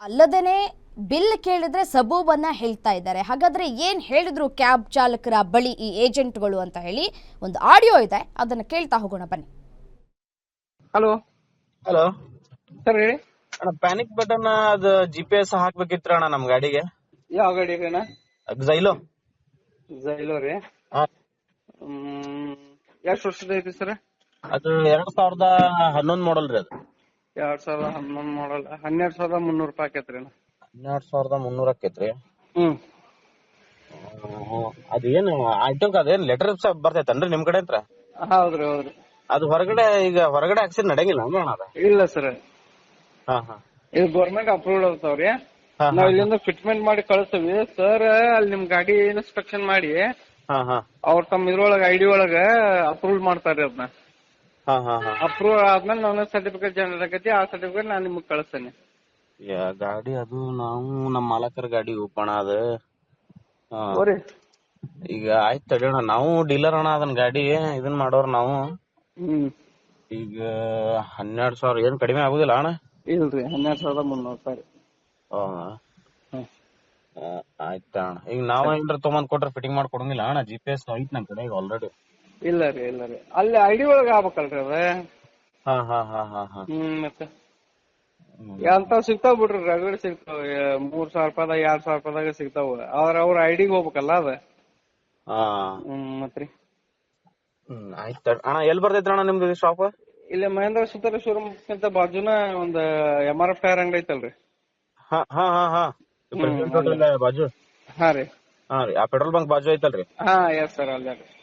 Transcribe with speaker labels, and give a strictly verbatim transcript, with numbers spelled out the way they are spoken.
Speaker 1: ಅಲ್ಲದೇನೆ bill ಕೇಳಿದ್ರೆ ಸಬೂಬನ್ನ ಹೇಳ್ತಾ ಇದ್ದಾರೆ. ಹಾಗಾದ್ರೆ ಏನ್ ಹೇಳಿದ್ರು ಕ್ಯಾಬ್ ಚಾಲಕರ ಬಳಿ ಈ ಏಜೆಂಟ್ಗಳು ಅಂತ ಹೇಳಿ ಒಂದು ಆಡಿಯೋ ಇದೆ, ಅದನ್ನ ಕೇಳ್ತಾ ಹೋಗೋಣ ಬನ್ನಿ.
Speaker 2: ಹಲೋ
Speaker 3: ಹಲೋ
Speaker 2: ಸರ್ ಹೇಳಿ.
Speaker 3: ಅಣ್ಣ, ಪ್ಯಾನಿಕ್ ಬಟನ್ ಅದ ಜಿ ಪಿ ಎಸ್ ಹಾಕ್ಬೇಕಿತ್ರ ಅಣ್ಣ ನಮ್ ಗಾಡಿಗೆ.
Speaker 2: ಯಾವ ಗಾಡಿ ರೀ ಅಣ್ಣ?
Speaker 3: ಜೈಲೋ
Speaker 2: ಜೈಲೋ ರೀ.
Speaker 3: ಹಾ.
Speaker 2: ಹ್ಮ್ ಎಷ್ಟು ವರ್ಷದ ಐತಿ ಸರ್?
Speaker 3: ಅದು ಎರಡ್ ಸಾವಿರದ ಹನ್ನೊಂದ್ ಮಾಡಲ್ ರೀ. ಅದು
Speaker 2: ಎರಡ್ ಸಾವಿರದ ಹನ್ನೊಂದ್ ಮಾಡಲ್ ಹನ್ನೆರಡ್ ಸಾವಿರದ ಮುನ್ನೂರು ರೂಪಾಯಿ ಆಕೇತ್ರಿ ಅಣ್ಣ.
Speaker 3: ಹನ್ನೆರಡ್ ಸಾವಿರದ ಮುನ್ನೂರ ಆಕೇತ್ರಿ.
Speaker 2: ಹ್ಮ್
Speaker 3: ಅದೇನು ಐಟಮ್ ಅದೇನ್ ಲೆಟರ್ ಬರ್ತೈತನ್ರಿ ನಿಮ್ ಕಡೆ ಹತ್ರ?
Speaker 2: ಹೌದ್ರಿ ಹೌದ್ರಿ.
Speaker 3: ಅದು ಹೊರಗಡೆ ಈಗ ಹೊರಗಡೆ ಹಾಕ್ಸಿದ್ ನಡೆಯಂಗಿಲ್ಲ ಅಂದ್ರೆ ಅಣ್ಣ ಅದ?
Speaker 2: ಇಲ್ಲ ಸರ್,
Speaker 3: ಹಾ ಹಾ
Speaker 2: ಇದು ಗೌರ್ಮೆಂಟ್ ಅಪ್ರೂವ್ಡ್ ಇರ್ತಾವ್ರಿ.
Speaker 3: ಹಾ,
Speaker 2: ನಾವ್
Speaker 3: ಹಾ,
Speaker 2: ಇಲ್ಲಿಂದ ಫಿಟ್ಮೆಂಟ್ ಮಾಡಿ ಕಳಿಸ್ತೀವಿ ಸರ್. ಅಲ್ಲಿ ನಿಮ್ ಗಾಡಿ ಇನ್ಸ್ಪೆಕ್ಷನ್ ಮಾಡಿ
Speaker 3: ಹಾ ಹಾ
Speaker 2: ಅವ್ರ ತಮ್ಮ ಇದ್ರೊಳಗ ಐಡಿ ಒಳಗ ಅಪ್ರೂವ್ ಮಾಡ್ತಾರ್ರಿ. ಅದನ್ನ
Speaker 3: ಹಾ ಹಾ ಹಾ
Speaker 2: ಅಪ್ರೂವ್ ಆದ್ಮೇಲೆ ನನ್ನ ಸರ್ಟಿಫಿಕೇಟ್ ಜನರೇಟ್ ಆಗೈತಿ. ಆ ಸರ್ಟಿಫಿಕೇಟ್ ನಾನ್ ನಿಮ್ಗೆ ಕಳಿಸ್ತೇನೆ.
Speaker 3: ಯಾ ಗಾಡಿ ಅದು ನಾವು ನಮ್ ಮಾಲಕರ ಗಾಡಿ ಉಪಣ ಅದ. ಹಾ.
Speaker 2: ಹೋರಿ
Speaker 3: ಈಗ ಆಯ್ತು ತಡಿಯೋಣ, ನಾವು ಡೀಲರ್ ಅಣ್ಣ ಅದನ್ ಗಾಡಿ ಇದನ್ ಮಾಡೋರ್ ನಾವು.
Speaker 2: ಹ್ಮ್
Speaker 3: ಈಗ ಹನ್ನೆರಡ್ ಸಾವಿರ ಏನ್ ಕಡಿಮೆ ಆಗುದಿಲ್ಲ ಅಣ್ಣ?
Speaker 2: ಇಲ್ರಿ, ಹನ್ನೆರಡ್ ಸಾವಿರದ ಮುನ್ನೂರು ರೂಪಾಯಿ ರೀ.
Speaker 3: ಹೌದಾ?
Speaker 2: ಹ್ಮ್
Speaker 3: ಆಯ್ತ ಅಣ್ಣ. ಈಗ ನಾವ್ ಏನ್ರ ತಗೊಂಡ್ ಕೊಟ್ರೆ ಫಿಟ್ಟಿಂಗ್ ಮಾಡಿ ಕೊಡಂಗಿಲ್ಲ ಅಣ್ಣ? ಜಿ ಪಿ ಎಸ್ ಐತ್ ನಮ್ ಕಡೆ ಈಗ ಆಲ್ರೆಡಿ.
Speaker 2: ಇಲ್ಲ ರೀ ಇಲ್ಲ ರೀ, ಅಲ್ಲಿ ಐಡಿ ಒಳಗ ಆಗ್ಬೇಕಲ್ರಿ ಅದ.
Speaker 3: ಹಾ ಹಾ ಹಾ ಹಾ ಹಾ
Speaker 2: ಹ್ಮ್ ಮತ್ತೆ ಅಂತ ಸಿಗ್ತಾವ್ ಬಿಡ್ರಿ, ರಗಡ್ ಸಿಗ್ತಾವ. ಮೂರ್ ಸಾವಿರ ರೂಪಾಯಿದಾಗ ಎರಡ್ ಸಾವಿರ ರೂಪಾಯಿದಾಗ ಸಿಗ್ತಾವ. ಅವ್ರ ಅವ್ರ ಐಡಿಗೆ ಹೋಗ್ಬೇಕಲ್ಲ ಅದ.
Speaker 3: ಹಾ.
Speaker 2: ಹ್ಮ್ ಮತ್ರಿ.
Speaker 3: ಹ್ಮ್ ಆಯ್ತ ಅಣ್ಣ. ಎಲ್ಲಿ ಬರ್ತೈತ್ರಿ ಅಣ್ಣ ನಿಮ್ದು ಶಾಪ್?
Speaker 2: ಇಲ್ಲಿ ಮಹೇಂದ್ರ ಸುತಾರ ಶೋರೂಮ್ ಅಂತ ಬಾಜುನ ಒಂದ್ ಎಂ ಆರ್ ಎಫ್ ಟೈರ್ ಅಂಗಡಿ ಐತಲ್ರಿ.
Speaker 3: ಹಾ ಹಾ ಹಾ ಹಾ
Speaker 2: ಹ್ಮ್,
Speaker 3: ಬಾಜು.
Speaker 2: ಹಾ ರೀ.
Speaker 3: ಹಾ ರೀ, ಆ ಪೆಟ್ರೋಲ್ ಬಂಕ್ ಬಾಜು ಐತಲ್ರಿ?
Speaker 2: ಹಾ ಎಸ್ ಸರ್, ಅಲ್ಲೇ ರೀ.